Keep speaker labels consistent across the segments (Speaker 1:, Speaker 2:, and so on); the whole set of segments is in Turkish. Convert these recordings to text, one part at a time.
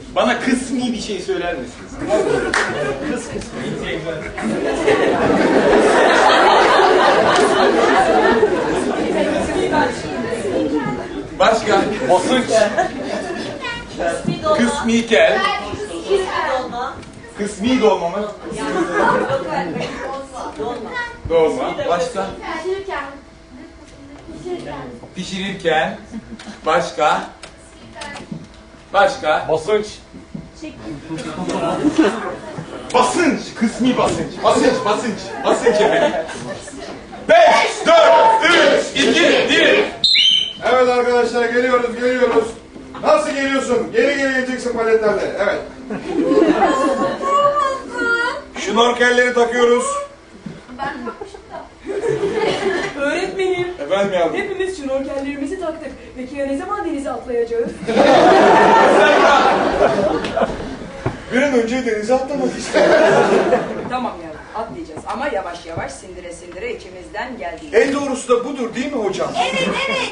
Speaker 1: Bana kısmi bir şey söyler misiniz? Kısmi. Başka? Basınç. Kısmikel. Kısmi dolma mı? Dolma. Başka? Pişirirken. Başka? Başka?
Speaker 2: Basınç.
Speaker 1: Basınç. Kısmi basınç. Basınç efendim. 5, 4, 3, 2, 1.
Speaker 3: Evet arkadaşlar geliyoruz. Nasıl geliyorsun? Geri geleceksin paletlerle. Evet. Şnorkelleri takıyoruz.
Speaker 4: Öğretmenim,
Speaker 3: Efendim yavrum.
Speaker 4: hepimiz şnorkellerimizi taktık. Peki ya ne zaman denize atlayacağız?
Speaker 3: Bir an önce denize atlamak istiyorum.
Speaker 4: Tamam yavrum, atlayacağız ama yavaş yavaş sindire sindire içimizden geldiği.
Speaker 3: En doğrusu da budur değil mi hocam?
Speaker 5: Evet.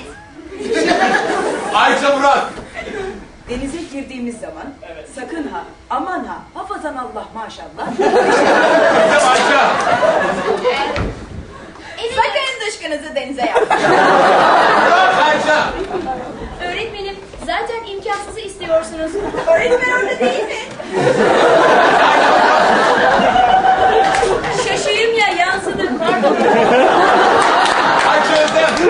Speaker 1: Ayça Murat.
Speaker 4: Denize girdiğimiz zaman sakın ha, aman ha, hafazan Allah maşallah.
Speaker 1: Bizim Ayça.
Speaker 5: Sakın dışkınızı denize yapmayın.
Speaker 1: Ayça.
Speaker 5: Öğretmenim, zaten imkansızı istiyorsunuz. Öğretmen orada değil mi?
Speaker 4: Şaşayım ya, yansıdı, pardon.
Speaker 1: Ayça Özlem.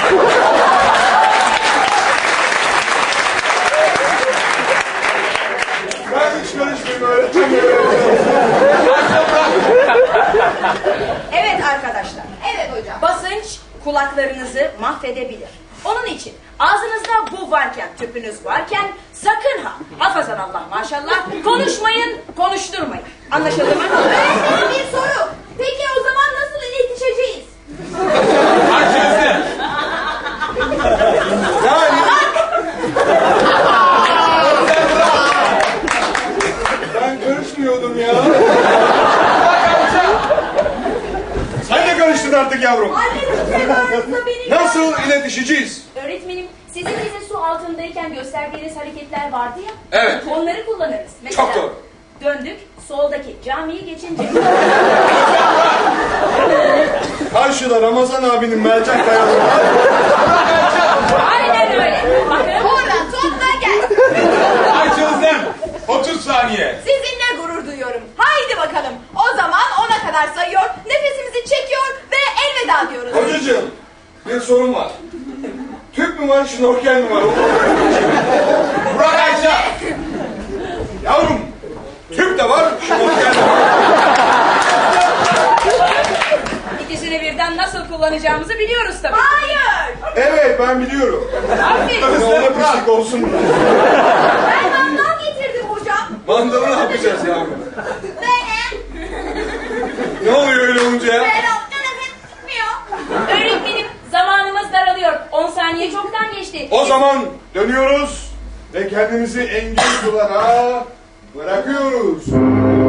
Speaker 3: Ben hiç karışmayayım öğretmenim.
Speaker 4: Evet arkadaşlar,
Speaker 5: Evet hocam.
Speaker 4: basınç kulaklarınızı mahvedebilir. Onun için ağzınızda bu varken, tüpünüz varken sakın ha, hafazan Allah maşallah, konuşmayın, konuşturmayın. Anlaşıldı mı?
Speaker 5: Öğretmenim bir soru. Peki o zaman nasıl iletişeceğiz?
Speaker 1: Ayça Özlem.
Speaker 3: Yani ben karışmıyordum ya. Sen de karıştın artık yavrum.
Speaker 5: Annem aranızda benim.
Speaker 3: Nasıl iletişeceğiz?
Speaker 5: Öğretmenim, sizin bize su altındayken gösterdiğiniz hareketler vardı ya.
Speaker 3: Evet.
Speaker 5: Onları kullanırız. Mesela,
Speaker 3: Çok doğru.
Speaker 5: döndük, soldaki camiyi geçince.
Speaker 3: Karşıda Ramazan abinin mercek kayaları var.
Speaker 5: Aynen öyle. Bakın. Oradan topla gel.
Speaker 1: Ayça Özlem. 30 saniye.
Speaker 5: Sizinle gurur duyuyorum. Haydi bakalım. O zaman 10'a kadar sayıyor, nefesimizi çekiyor ve elveda diyoruz.
Speaker 3: Hocacığım bir sorun var. Tüp mü var, şnorkel mi var?
Speaker 1: Burak Ayça.
Speaker 3: Yavrum, tüp de var, şnorkel de var.
Speaker 4: İkisini birden nasıl kullanacağımızı biliyoruz tabii.
Speaker 5: Hayır.
Speaker 3: Evet, ben biliyorum.
Speaker 4: Aferin.
Speaker 3: Ne ona pislik olsun.
Speaker 5: Ben mandal getirdim hocam.
Speaker 3: Mandalı ne yapacağız yavrum?
Speaker 5: Benim.
Speaker 3: Ne oluyor öyle olunca ya?
Speaker 5: Ben nefes tutmuyor.
Speaker 6: Öğretmenim, zamanımız daralıyor. 10 saniye çoktan geçti.
Speaker 3: O zaman dönüyoruz ve kendimizi engin sulara bırakıyoruz.